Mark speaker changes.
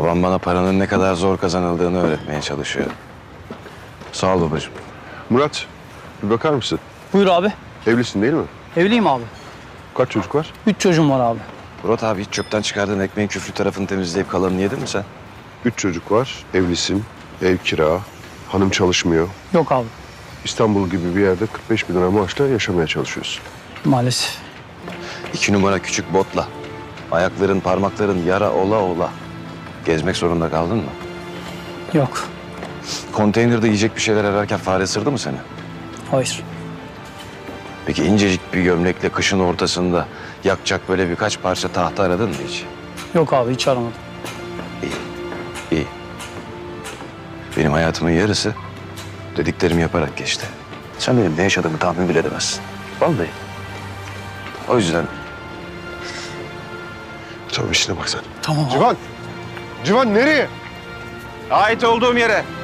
Speaker 1: Babam bana paranın ne kadar zor kazanıldığını öğretmeye çalışıyor. Sağ ol babacığım.
Speaker 2: Murat, bir bakar mısın?
Speaker 3: Buyur abi.
Speaker 2: Evlisin değil mi?
Speaker 3: Evliyim abi.
Speaker 2: Kaç çocuk var?
Speaker 3: 3 çocuğum var abi.
Speaker 1: Murat abi hiç çöpten çıkardığın ekmeğin küflü tarafını temizleyip kalanını yedin mi sen?
Speaker 2: 3 çocuk var, evlisin, ev kira, hanım çalışmıyor.
Speaker 3: Yok abi.
Speaker 2: İstanbul gibi bir yerde 45 bin lira maaşla yaşamaya çalışıyorsun.
Speaker 3: Maalesef.
Speaker 1: 2 numara küçük botla. Ayakların, parmakların yara ola ola. Gezmek zorunda kaldın mı?
Speaker 3: Yok.
Speaker 1: Konteynerde yiyecek bir şeyler ararken fare ısırdı mı seni?
Speaker 3: Hayır.
Speaker 1: Peki incecik bir gömlekle kışın ortasında yakacak böyle birkaç parça tahta aradın mı hiç?
Speaker 3: Yok abi hiç aramadım.
Speaker 1: İyi. Benim hayatımın yarısı dediklerimi yaparak geçti. Sen benim ne yaşadığımı tahmin bile edemezsin. Vallahi. O yüzden
Speaker 2: Tamam işine bak sen.
Speaker 3: Tamam abi.
Speaker 2: Civan! Civan nereye?
Speaker 1: ait olduğum yere.